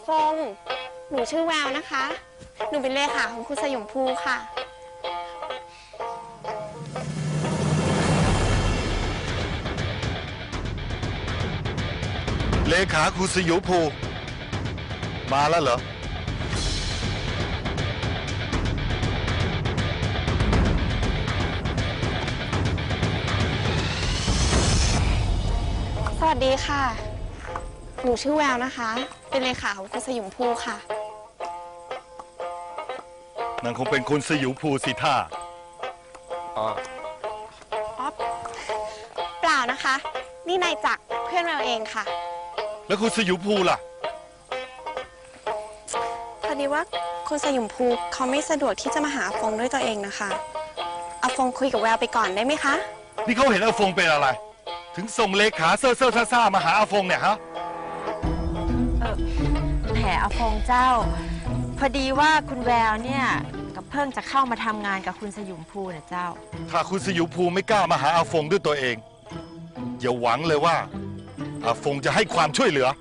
ฟงหนูชื่อแววนะคะ หนูเป็นเลขาของคุณสยมภูค่ะเลขาครูสยุภูมาแล้วเหรอสวัสดีค่ะ หนูชื่อแววนะคะ เป็นเลขาของคุณสยมภูค่ะนางคงเป็นคุณสยุภูสิท่าอ๋อเปล่านะคะ นี่นายจักรเพื่อนแววเองค่ะแล้วคุณสยุภูล่ะพอดีว่าคุณสยมภูเขาไม่สะดวกที่จะมาหาอาฟงด้วยตัวเองนะคะอาฟงคุยกับแววไปก่อนได้ไหมคะนี่เขาเห็นอาฟงเป็นอะไร ถึงส่งเลขาเซ่อซ่ามาหาอาฟงเนี่ยฮะแหมอาฟงเจ้า พอดีว่าคุณแววเนี่ยกับเพิ่งจะเข้ามาทำงานกับคุณสยุมภูนะเจ้าถ้าคุณสยุภูไม่กล้ามาหาอาฟงด้วยตัวเองอย่าหวังเลยว่าอาฟงจะให้ความช่วยเหลือ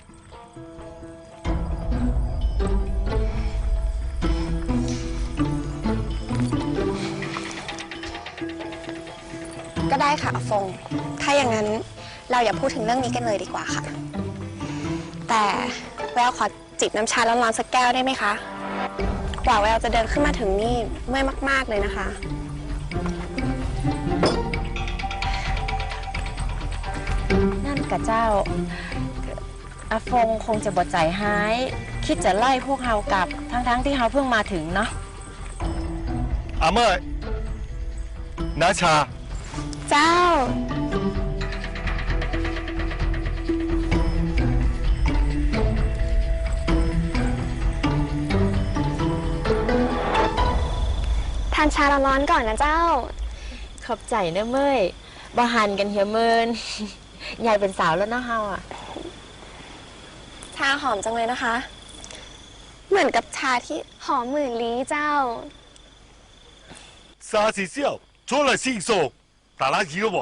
ก็ได้ค่ะอาฟงถ้าอย่างนั้นเราอย่าพูดถึงเรื่องนี้กันเลยดีกว่าค่ะ แต่แววขอจิบน้ำชาร้อนๆสักแก้วได้ไหมคะกว่าแววจะเดินขึ้นมาถึงนี่เมื่อยมากๆเลยนะคะนั่นกับเจ้าอาฟงคงจะบดใจหายคิดจะไล่พวกเฮากลับทั้งที่เฮาเพิ่งมาถึงเนาะอาเมย์นาชาเจ้าทานชาร้อนๆก่อนนะเจ้าขอบใจนะเมยบ่หันกันเหี่ยเมิน ใหญ่เป็นสาวแล้วเนาะเฮาอ่ะชาหอมจังเลยนะคะ เหมือนกับชาที่หอมหมื่นลี้เจ้า沙是笑出了信手打垃圾了不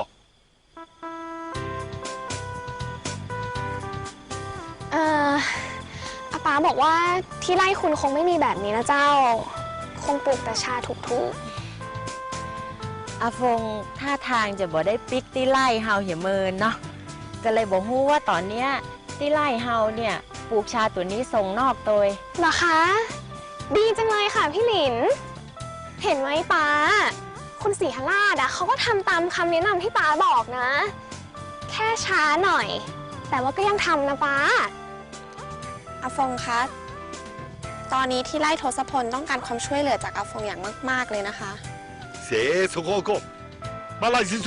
อาป๋าบอกว่าที่ไร่คุณคงไม่มีแบบนี้นะเจ้า คงปลูกแต่ชาถูกอาฟงท่าทางจะบ่ได้ปิกที่ไล่เฮาเหี่ยเมินเนาะก็เลยบอกฮู้ว่าตอนเนี้ยที่ไล่เฮาเนี่ยปลูกชาตัวนี้ส่งนอกตัวเหรอคะ ดีจังเลยค่ะพี่หลิน เห็นไหมป๋าคุณศรีหราชเขาก็ทำตามคำแนะนำที่ป๋าบอกนะ แค่ช้าหน่อย แต่ว่าก็ยังทำนะป๋าอาฟงคะตอนนี้ที่ไร่ทศพลต้องการความช่วยเหลือจากอาฟงอย่างมากๆเลยนะคะเสียสกโกมาไล่สิโซ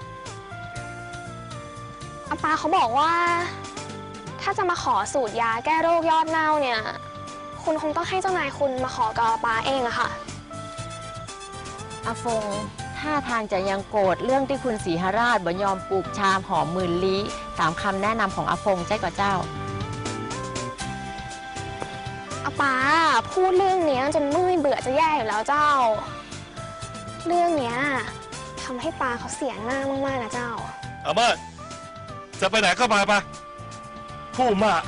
อาป๋าเขาบอกว่า ถ้าจะมาขอสูตรยาแก้โรคยอดเน่าเนี่ยคุณคงต้องให้เจ้านายคุณมาขอกับอาป๋าเองอะค่ะอาฟงท่าทางจะยังโกรธเรื่องที่คุณศรีหราชบ่ยอมปลูกชามหอมหมื่นลี้ตามคำแนะนำของอาฟงใช่ก่อเจ้าอาป๋าพูดเรื่องนี้จนเมื่อยเบื่อจะแย่อยู่แล้วเจ้า เรื่องเนี้ยทำให้ปาเขาเสียหน้ามากๆนะเจ้าอาเมย์จะไปไหนก็ไปปะพูดมา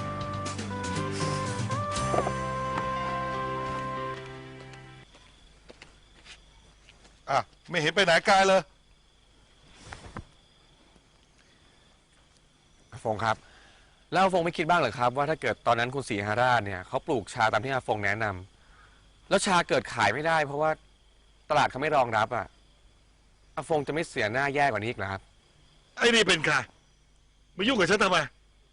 อ่ะไม่เห็นไปไหนไกลเลยอาฟงครับแล้วอาฟงไม่คิดบ้างเหรอครับว่าถ้าเกิดตอนนั้นคุณศรีหราชเนี่ยเขาปลูกชาตามที่อาฟงแนะนำแล้วชาเกิดขายไม่ได้เพราะว่าตลาดเขาไม่รองรับอ่ะอาฟงจะไม่เสียหน้าแย่กว่านี้อีกเหรอครับไอ้นี่เป็นใครมายุ่งกับฉันทำไม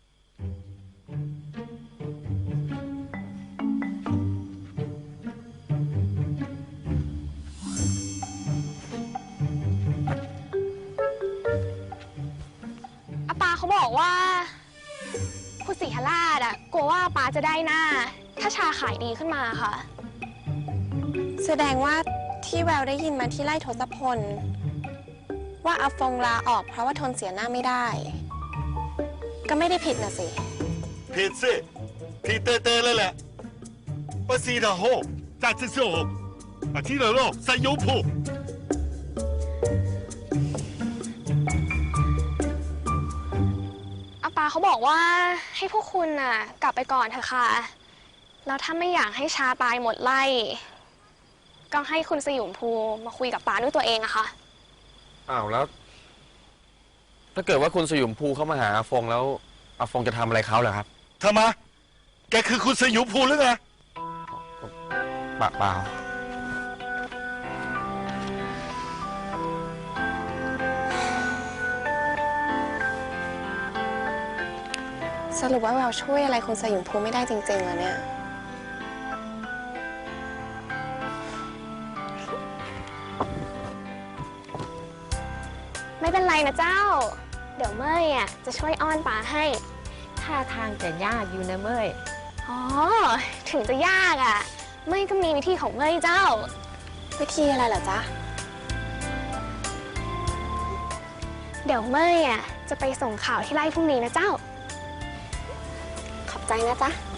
อาปาเขาบอกว่าคุณศรีหราชกลัวว่าอาปาจะได้หน้าถ้าชาขายดีขึ้นมาค่ะแสดงว่าที่แววได้ยินมาที่ไร่ทศพลว่าอาฟงลาออกเพราะว่าทนเสียหน้าไม่ได้ก็ไม่ได้ผิดนะสิผิดสิผิดเต้ๆเลยแหละ不是的好在这时候啊听了咯三有谱อาปาเขาบอกว่าให้พวกคุณน่ะกลับไปก่อนเถอะค่ะแล้วถ้าไม่อยากให้ชาตายหมดไล่ก็ให้คุณสยุมภูมาคุยกับป้าด้วยตัวเองอะค่ะอ้าวแล้ว ถ้าเกิดว่าคุณสยุมภูเข้ามาหาอาฟงแล้วอาฟงจะทำอะไรเขาเหรอครับทำไมแกคือคุณสยุมภูหรือไงเปล่าสรุปว่าเราช่วยอะไรคุณสยุมภูไม่ได้จริงๆเหรอเนี่ยไม่เป็นไรนะเจ้า เดี๋ยวเมยอะจะช่วยอ้อนป้าให้ท่าทางจะยากอยู่นะเม้ยอ๋อ ถึงจะยากอะเมยก็มีวิธีของเมยเจ้าวิธีอะไรเหรอจ๊ะเดี๋ยวเมยอะจะไปส่งข่าวที่ไร่พรุ่งนี้นะเจ้าขอบใจนะจ๊ะ